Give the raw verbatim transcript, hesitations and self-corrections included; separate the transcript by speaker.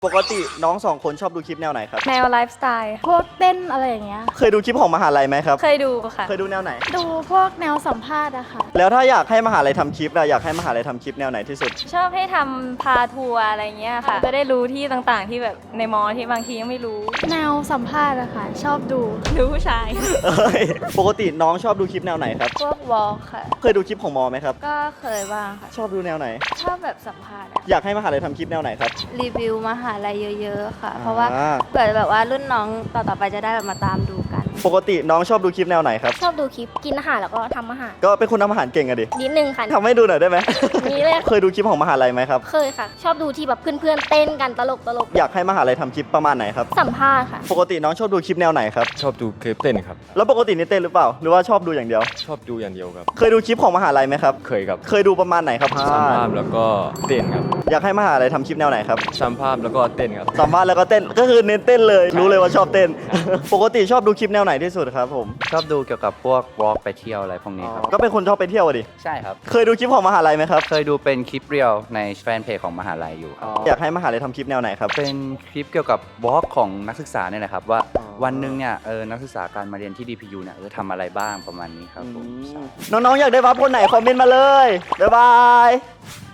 Speaker 1: ปกติน้องสองคนชอบดูคลิปแนวไหนครับ
Speaker 2: แนวไลฟ์สไตล์
Speaker 3: พวกเต้นอะไรอย่างเงี้ย
Speaker 1: เคยดูคลิปของมหาลัยไหมครับ
Speaker 2: เคยดูค่ะ
Speaker 1: เคยดูแนวไหน
Speaker 3: ดูพวกแนวสัมภาษณ์อะค่ะ
Speaker 1: แล้วถ้าอยากให้มหาลัยทำคลิปเราอยากให้มหาลัยทำคลิปแนวไหนที่สุด
Speaker 2: ชอบให้ทำพาทัวร์อะไรเงี้ยค่ะจะได้รู้ที่ต่างๆที่แบบในมอที่บางทียังไม่รู้
Speaker 3: แนวสัมภาษณ์อะค่ะชอบดู
Speaker 2: ดูผู้ชาย
Speaker 1: เอ้ยปกติน้องชอบดูคลิปแนวไหนครับ
Speaker 2: พวกวอล์กค่ะ
Speaker 1: เคยดูคลิปของมอไหมครับ
Speaker 2: ก็เคยบ้างค่ะ
Speaker 1: ชอบดูแนวไหน
Speaker 2: ชอบแบบสัมภาษณ์
Speaker 1: อยากให้มหาลัยทำคลิปแนวไหนครับ
Speaker 2: รีวิวมหาลัยเยอะๆค่ะเพราะว่าเกิดแบบว่ารุ่นน้องต่อๆไปจะได้แบบมาตามดูกัน
Speaker 1: ปกติน้องชอบดูคลิปแนวไหนครับ
Speaker 2: ชอบดูคลิปกินอาหารแล้วก็ทำอาหาร
Speaker 1: ก็เป็นคนทำอาหารเก่งอะดิ
Speaker 2: นิดนึงค่ะ
Speaker 1: ทำให้ดูหน่อยได้ไหม
Speaker 2: นี่เลย
Speaker 1: เคยดูคลิปของมหาลัยไหมครับ
Speaker 2: เคยค่ะชอบดูที่แบบเพื่อนๆเต้นกันตลกตลก
Speaker 1: อยากให้มหาลัยทำคลิปประมาณไหนครับ
Speaker 2: สัมภาษณ์ค่ะ
Speaker 1: ปกติน้องชอบดูคลิปแนวไหนครับ
Speaker 4: ชอบดูคลิปเต้นครับ
Speaker 1: แล้วปกตินี่เต้นหรือเปล่าหรือว่าชอบดูอย่างเดียว
Speaker 4: ชอบดูอย่างเดียวครับ
Speaker 1: เคยดูคลิปของมหาลัยไหมครับ
Speaker 4: เคยครับ
Speaker 1: เคยดูประมาณไหนครับ
Speaker 4: สัมภาษณ์แล้วก็เต้นครับ
Speaker 1: อยากให้มหาลัยทำคลิปแนวไหนครับ
Speaker 4: สัมภาษณ์แล้วก็เต้นครับ
Speaker 1: สัมภาษณ์แล้วก็เต้นก็คือเน้นเต้นเลยรู้เลยว่าชอบเต้น ปกติชอบดูคลิปแนวไหนที่สุดครับผม
Speaker 5: ชอบดูเกี่ยวกับพวกวอล์กไปเที่ยวอะไรพวกนี้ครับ
Speaker 1: ก็เป็นคนชอบไปเที่ยวดิ
Speaker 5: ใช่ครับ
Speaker 1: เคยดูคลิปของมหาลัยไหมครับ
Speaker 5: เคยดูเป็นคลิปเรียลในแฟนเพจของมหาลัยอยู่ครับ
Speaker 1: อยากให้มหาลัยทำคลิปแนวไหนครับ
Speaker 5: เป็นคลิปเกี่ยวกับวอล์กของนักศึกษาเนี่ยแหละครับว่าวันหนึ่งเนี่ยเออนักศึกษาการมาเรียนที่ ดี พี ยู เนี่ยจะทำอะไรบ้างประมาณนี้ครับผม
Speaker 1: น้องๆอยากได้วับคนไหนคอมเมนต์มาเลยบ๊ายบาย